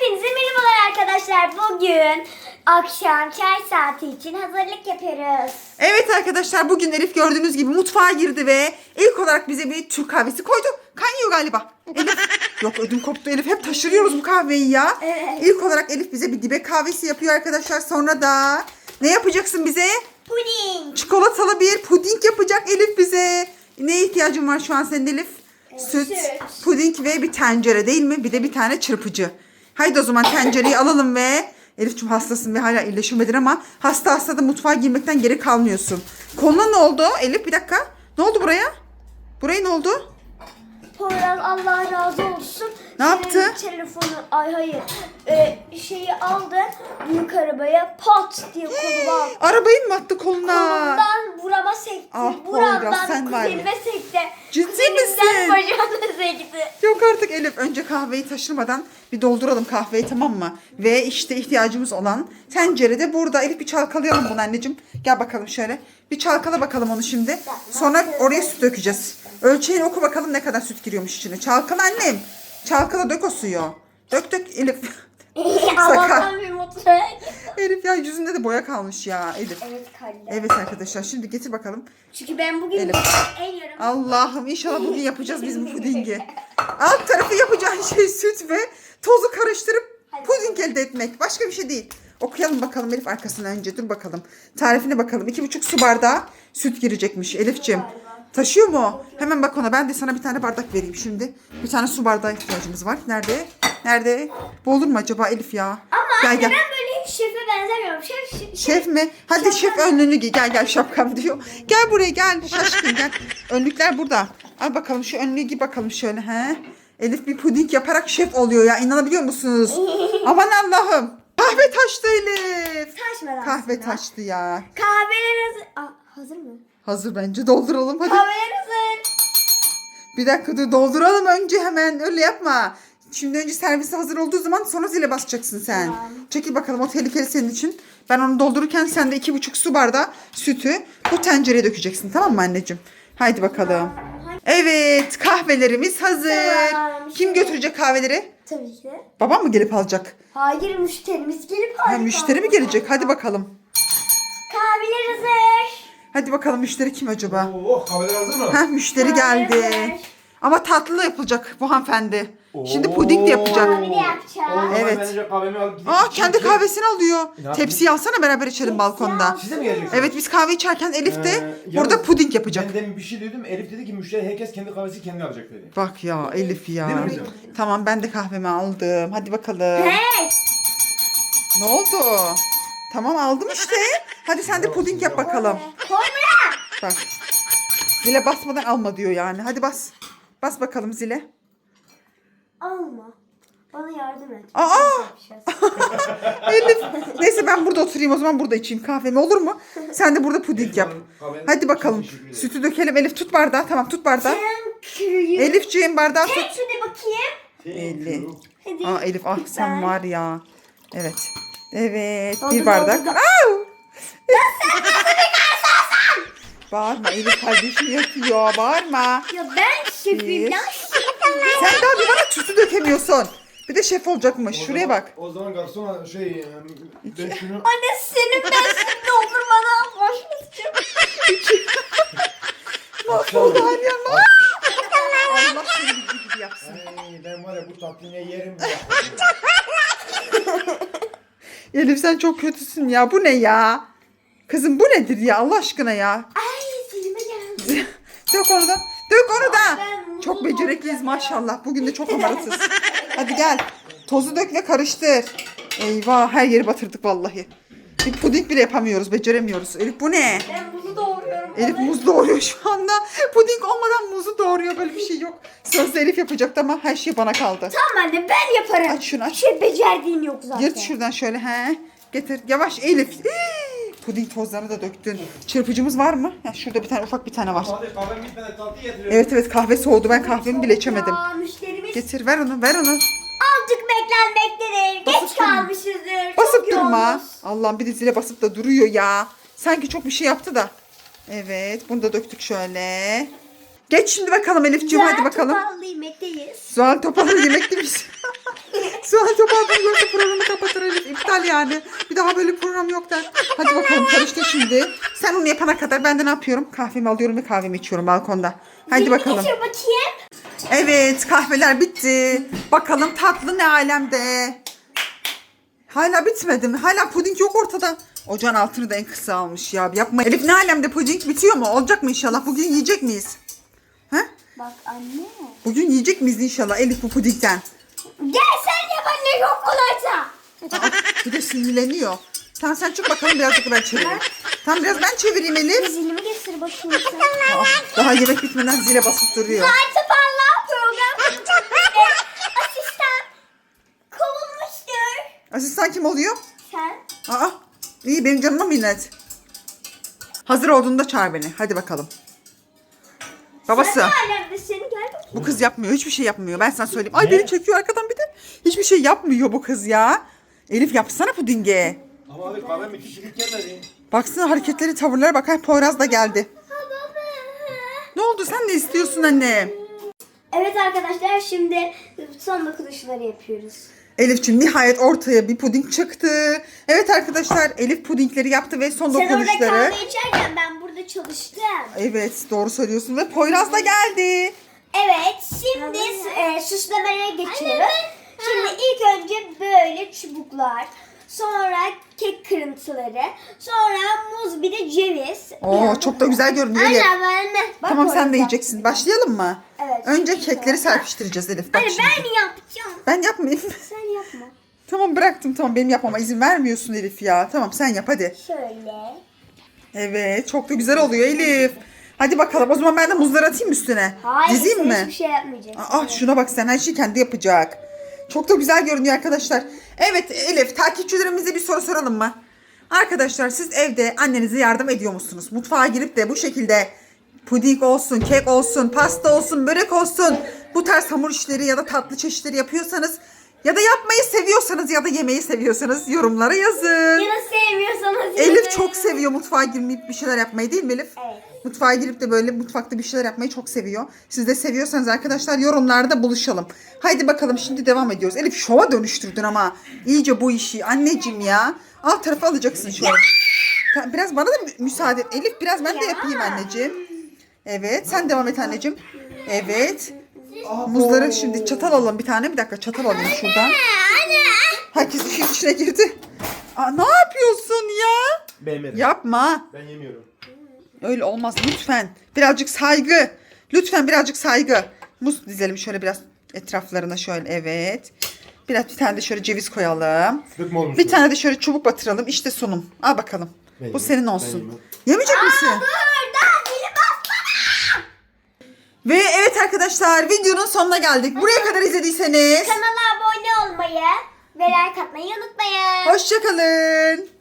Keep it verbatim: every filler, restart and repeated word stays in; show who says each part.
Speaker 1: Hepinize merhabalar arkadaşlar. Bugün akşam çay saati için hazırlık yapıyoruz.
Speaker 2: Evet arkadaşlar, bugün Elif gördüğünüz gibi mutfağa girdi ve ilk olarak bize bir Türk kahvesi koydu. Kaynıyor galiba. Elif. Yok, ödüm koptu Elif. Hep taşırıyoruz bu kahveyi ya.
Speaker 1: Evet.
Speaker 2: İlk olarak Elif bize bir dibe kahvesi yapıyor arkadaşlar. Sonra da ne yapacaksın bize?
Speaker 1: Puding.
Speaker 2: Çikolatalı bir puding yapacak Elif bize. Neye ihtiyacın var şu an senin Elif? Süt,
Speaker 1: süt.
Speaker 2: puding ve bir tencere değil mi? Bir de bir tane çırpıcı. Haydi o zaman tencereyi alalım ve Elif'ciğim hastasın ve hala iyileşemedin ama hasta hasta da mutfağa girmekten geri kalmıyorsun. Koluna ne oldu Elif? Bir dakika. Ne oldu buraya? Buraya ne oldu?
Speaker 1: Poyraz Allah razı olsun.
Speaker 2: Ne yaptı?
Speaker 1: Senin telefonu, ay hayır, ee, şeyi aldı büyük arabaya pat diye koluma aldı.
Speaker 2: Arabayı mı attı koluna?
Speaker 1: Kolumdan burama sekti.
Speaker 2: Ah, Poyraz,
Speaker 1: Buramdan
Speaker 2: sen var ya.
Speaker 1: kuzenime sekti.
Speaker 2: Ciddi
Speaker 1: Kuzenimden
Speaker 2: misin?
Speaker 1: bacağına sekti.
Speaker 2: Yok artık Elif. Önce kahveyi taşırmadan bir dolduralım kahveyi, tamam mı? Ve işte ihtiyacımız olan tencere de burada. Elif bir çalkalayalım bunu anneciğim. Gel bakalım şöyle. Bir çalkala bakalım onu şimdi. Sonra oraya süt dökeceğiz. Ölçeğini oku bakalım ne kadar süt giriyormuş içine. Çalkala annem. Çalkala, dök o suyu. Dök dök Elif.
Speaker 1: Allah'tan bir mutfağa.
Speaker 2: Elif ya, yüzünde de boya kalmış ya Elif.
Speaker 1: Evet kalle.
Speaker 2: Evet arkadaşlar, şimdi getir bakalım.
Speaker 1: Çünkü ben bugün
Speaker 2: Elif.
Speaker 1: en yarım.
Speaker 2: Allah'ım, inşallah bugün yapacağız biz bu pudingi. Alt tarafı yapacağın şey süt ve tozu karıştırıp puding elde etmek. Başka bir şey değil. Okuyalım bakalım Elif arkasına önce. Dur bakalım. Tarifine bakalım. İki buçuk su bardağı süt girecekmiş Elif'ciğim. Taşıyor mu o? Hemen bak ona. Ben de sana bir tane bardak vereyim şimdi. Bir tane su bardağı ihtiyacımız var. Nerede? Nerede? Bu olur mu acaba Elif ya?
Speaker 1: Ama
Speaker 2: Gel,
Speaker 1: anne
Speaker 2: gel.
Speaker 1: ben böyle hiç şefe benzemiyorum. Şef, şef,
Speaker 2: Şef mi? Hadi şef önlüğünü giy. Gel gel, şapkam diyor. Gel buraya gel. Şaşkın gel. Önlükler burada. Al bakalım şu önlüğü giy bakalım şöyle. He? Elif bir puding yaparak şef oluyor ya. İnanabiliyor musunuz? Aman Allah'ım. Kahve taştı Elif.
Speaker 1: Taşmadan
Speaker 2: Kahve
Speaker 1: aslında.
Speaker 2: taştı ya.
Speaker 1: Kahveler hazır. Aa, hazır mı?
Speaker 2: Hazır bence, dolduralım hadi.
Speaker 1: Kahveler hazır.
Speaker 2: Bir dakika dur, dolduralım önce hemen. Öyle yapma. Şimdi önce servise hazır olduğu zaman sonra zile basacaksın sen.
Speaker 1: Tamam.
Speaker 2: Çekil bakalım, o tehlikeli senin için. Ben onu doldururken sen de iki buçuk su bardağı sütü bu tencereye dökeceksin, tamam mı anneciğim? Haydi bakalım. Evet, kahvelerimiz hazır.
Speaker 1: Tamam.
Speaker 2: Kim götürecek kahveleri?
Speaker 1: Tabii ki.
Speaker 2: Babam mı gelip alacak?
Speaker 1: Hayır, müşterimiz gelip
Speaker 2: Ha,
Speaker 1: alacak.
Speaker 2: müşteri mi gelecek? Hadi bakalım.
Speaker 1: Kahveler hazır.
Speaker 2: Hadi bakalım, müşteri kim acaba?
Speaker 3: Oo, kahveler hazır mı?
Speaker 2: Ha, müşteri
Speaker 1: Kahveler
Speaker 2: geldi.
Speaker 1: hazır.
Speaker 2: Ama tatlı yapılacak bu hanımefendi. Şimdi
Speaker 3: Oo.
Speaker 2: puding de yapacak.
Speaker 1: Kahve de yapacağım.
Speaker 3: Oo,
Speaker 2: Evet.
Speaker 3: Ben önce kahvemi alıp gidip
Speaker 2: Aa,
Speaker 3: içeyim.
Speaker 2: kendi kahvesini alıyor.
Speaker 3: Ne yapayım?
Speaker 2: Tepsiyi alsana, beraber içelim balkonda.
Speaker 3: Siz de mi geleceksiniz?
Speaker 2: Evet, biz kahve içerken Elif de
Speaker 3: Ee,
Speaker 2: burada
Speaker 3: yalnız
Speaker 2: puding yapacak.
Speaker 3: Ben demin bir şey duydum. Elif dedi ki müşteri herkes kendi kahvesi kendi alacak dedi.
Speaker 2: Bak ya Elif ya.
Speaker 3: Değil mi kızım?
Speaker 2: Tamam, ben de kahvemi aldım. Hadi bakalım.
Speaker 1: Hey.
Speaker 2: Ne oldu? Tamam, aldım işte. Hadi sen de puding yap bakalım.
Speaker 1: Koy buraya.
Speaker 2: Bak. Zile basmadan alma diyor yani. Hadi bas. Bas bakalım zile.
Speaker 1: Alma. Bana yardım et.
Speaker 2: Aa!
Speaker 1: Yapacağız.
Speaker 2: Elif. Neyse, ben burada oturayım o zaman, burada içeyim kahvemi, olur mu? Sen de burada puding yap. Hadi bakalım.
Speaker 3: Teşekkür ederim.
Speaker 2: Sütü dökelim. Elif tut bardağı. Tamam, tut bardağı.
Speaker 1: Sen kürüyü.
Speaker 2: Elifciğim bardağı tut.
Speaker 1: Tek şurada bakayım.
Speaker 2: elli.
Speaker 1: Hadi.
Speaker 2: Aa Elif, ah sen var ya. Evet. Evet.
Speaker 1: Doldur,
Speaker 2: Bir bardak.
Speaker 1: doldur.
Speaker 2: Au! Bağırma Elif, kardeşim yatıyor. Bağırma.
Speaker 1: Ya ben şefim
Speaker 2: Bir.
Speaker 1: lan.
Speaker 2: Sen daha bir bana sütü dökemiyorsun. Bir de şef olacakmış.
Speaker 3: O
Speaker 2: Şuraya
Speaker 3: zaman-
Speaker 2: bak.
Speaker 3: O zaman garson şey e, ben şunu
Speaker 1: Anne senin ben şimdi olur bana. Başlasın.
Speaker 2: Mahvoldu Alyan. Allah seni bildiği gibi yapsın.
Speaker 3: Ay, ben var ya bu tatlıyı ne yerim ya.
Speaker 2: Elif sen çok kötüsün ya. Bu ne ya? Kızım bu nedir ya, Allah aşkına ya?
Speaker 1: Ay dilime geldi.
Speaker 2: Dök onu da. Dök onu da.
Speaker 1: Ben
Speaker 2: Çok
Speaker 1: bunu
Speaker 2: becerikliyiz
Speaker 1: olacak
Speaker 2: maşallah. Bugün de çok amaratız. Hadi gel. Tozu dök ve karıştır. Eyvah, her yeri batırdık vallahi. Bir puding bile yapamıyoruz. Beceremiyoruz. Elif bu ne?
Speaker 1: Ben bunu doğruyorum.
Speaker 2: Elif muz doğuruyor şu anda. Puding olmadan muzu doğuruyor. Böyle bir şey yok. Sözde Elif yapacaktı ama her şey bana kaldı.
Speaker 1: Tamam anne ben yaparım.
Speaker 2: Aç şunu, aç.
Speaker 1: Bir şey becerdiğin yok zaten.
Speaker 2: Yırt şuradan şöyle. He. Getir. Yavaş Elif. Hii! Puding tozlarını da döktün. Çırpıcımız var mı? Ya şurada bir tane, ufak bir tane var.
Speaker 3: Hadi kahvem bitmeden tatlı getiriyorum.
Speaker 2: Evet evet, kahve soğudu. Ben kahvemi bile içemedim.
Speaker 1: Ya müşterimiz
Speaker 2: Getir, ver onu, ver onu.
Speaker 1: azıcık beklenmektedir.
Speaker 2: Basıp
Speaker 1: Geç
Speaker 2: durma.
Speaker 1: kalmışızdır.
Speaker 2: Basıp
Speaker 1: Çok
Speaker 2: durma.
Speaker 1: yoğunuz.
Speaker 2: Allah'ım, bir de zile basıp da duruyor ya. Sanki çok bir şey yaptı da. Evet, bunu da döktük şöyle. Geç şimdi bakalım Elifciğim, hadi bakalım.
Speaker 1: Topallı yemekteyiz.
Speaker 2: Zuhal Topal'ın yemekte miyiz? Sual topu aldığını görse programı kapatır Elif. İptal yani. Bir daha böyle program yok der. Hadi bakalım karıştır şimdi. Sen onu yapana kadar ben de ne yapıyorum? Kahvemi alıyorum ve kahvemi içiyorum balkonda. Hadi
Speaker 1: Dilimi
Speaker 2: bakalım.
Speaker 1: getir bakayım.
Speaker 2: Evet, kahveler bitti. Bakalım tatlı ne alemde. Hala bitmedi mi? Hala puding yok ortada. Ocağın altını da en kısa almış ya. Yapma. Elif ne alemde puding bitiyor mu? Olacak mı inşallah? Bugün yiyecek miyiz? Ha?
Speaker 1: Bak anne.
Speaker 2: Bugün yiyecek miyiz inşallah Elif bu pudingden?
Speaker 1: Gel sen yap anne yok olaysa.
Speaker 2: Aa, bir de sinirleniyor. Tamam sen çık bakalım birazcık ben çevireyim. Tamam biraz ben çevireyim Elif.
Speaker 1: Zilimi getir bakayım sen.
Speaker 2: Aa, daha yemek bitmeden zile basıp duruyor.
Speaker 1: Artık Allah program. Asistan kovulmuştur.
Speaker 2: Asistan kim oluyor?
Speaker 1: Sen.
Speaker 2: Aa, iyi benim canıma minnet. Hazır olduğunda çağır beni. Hadi bakalım. Babası.
Speaker 1: Sen ne alemdesin gel bakayım.
Speaker 2: Bu kız yapmıyor. Hiçbir şey yapmıyor. Ben sana söyleyeyim. Ay beni çekiyor arkadan bir de. Hiçbir şey yapmıyor bu kız ya. Elif yapsana pudinge.
Speaker 3: Ama abi kahve bitti çilik gelmedi.
Speaker 2: Baksana hareketleri, tavırlara bak. Ay, Poyraz da geldi. Ne oldu? Sen ne istiyorsun anne?
Speaker 1: Evet arkadaşlar şimdi son dokunuşları yapıyoruz.
Speaker 2: Elif'ciğim nihayet ortaya bir puding çıktı. Evet arkadaşlar Elif pudingleri yaptı ve son
Speaker 1: Sen orada
Speaker 2: dokunuşları.
Speaker 1: kahve içerken ben burada çalıştım.
Speaker 2: Evet doğru söylüyorsun ve Poyraz da geldi.
Speaker 1: Evet şimdi e, süslemeye geçiyoruz. Şimdi ilk önce böyle çubuklar, sonra kek kırıntıları, sonra muz bir de ceviz.
Speaker 2: Oo çok da güzel görünüyor Elif.
Speaker 1: Anne ben de. Bak
Speaker 2: Tamam sen de
Speaker 1: orada.
Speaker 2: yiyeceksin. Başlayalım mı?
Speaker 1: Evet.
Speaker 2: Önce kekleri serpiştireceğiz Elif. Bak
Speaker 1: Anne
Speaker 2: şimdi.
Speaker 1: ben yapacağım.
Speaker 2: Ben yapmayayım.
Speaker 1: Sen yapma.
Speaker 2: Tamam bıraktım tamam benim yapmama izin vermiyorsun Elif ya. Tamam sen yap hadi.
Speaker 1: Şöyle.
Speaker 2: Evet çok da güzel oluyor Elif. Hadi bakalım o zaman ben de muzları atayım üstüne.
Speaker 1: Hayır
Speaker 2: Dizeyim
Speaker 1: sen
Speaker 2: mi?
Speaker 1: hiçbir şey yapmayacaksın.
Speaker 2: Aa şuna bak sen her şeyi kendi yapacak. Çok da güzel görünüyor arkadaşlar. Evet Elif takipçilerimize bir soru soralım mı? Arkadaşlar siz evde annenize yardım ediyor musunuz? Mutfağa girip de bu şekilde puding olsun, kek olsun, pasta olsun, börek olsun bu tarz hamur işleri ya da tatlı çeşitleri yapıyorsanız ya da yapmayı seviyorsanız ya da yemeyi seviyorsanız yorumlara yazın.
Speaker 1: Ya da sevmiyorsanız.
Speaker 2: Elif
Speaker 1: yazın.
Speaker 2: çok seviyor mutfağa girmeyip bir şeyler yapmayı değil mi Elif?
Speaker 1: Evet.
Speaker 2: Mutfağa girip de böyle mutfakta bir şeyler yapmayı çok seviyor. Siz de seviyorsanız arkadaşlar yorumlarda buluşalım. Haydi bakalım şimdi devam ediyoruz. Elif şova dönüştürdün ama iyice bu işi anneciğim ya. Alt tarafı alacaksın şöyle. Tamam, biraz bana da mü- müsaade et. Elif biraz ben de yapayım anneciğim. Evet sen devam et anneciğim. Evet. Muzları şimdi çatal alalım bir tane. Bir dakika çatal alayım şuradan. Herkes işin içine girdi. Aa, ne yapıyorsun ya?
Speaker 3: Beğenmedim.
Speaker 2: Yapma.
Speaker 3: Ben yemiyorum.
Speaker 2: Öyle olmaz lütfen. Birazcık saygı. Lütfen birazcık saygı. Muz dizelim şöyle biraz etraflarına şöyle evet. Biraz bir tane de şöyle ceviz koyalım.
Speaker 3: Dökme olmuş.
Speaker 2: Bir tane de şöyle çubuk batıralım. İşte sunum. Al bakalım.
Speaker 3: Ben
Speaker 2: Bu
Speaker 3: yemem.
Speaker 2: senin
Speaker 3: Ben
Speaker 2: olsun.
Speaker 3: yemem.
Speaker 2: Yemeyecek misin?
Speaker 1: Burada dili bastı.
Speaker 2: Ve evet arkadaşlar videonun sonuna geldik. Buraya kadar izlediyseniz
Speaker 1: Kanala abone olmayı ve like atmayı unutmayın.
Speaker 2: hoşçakalın.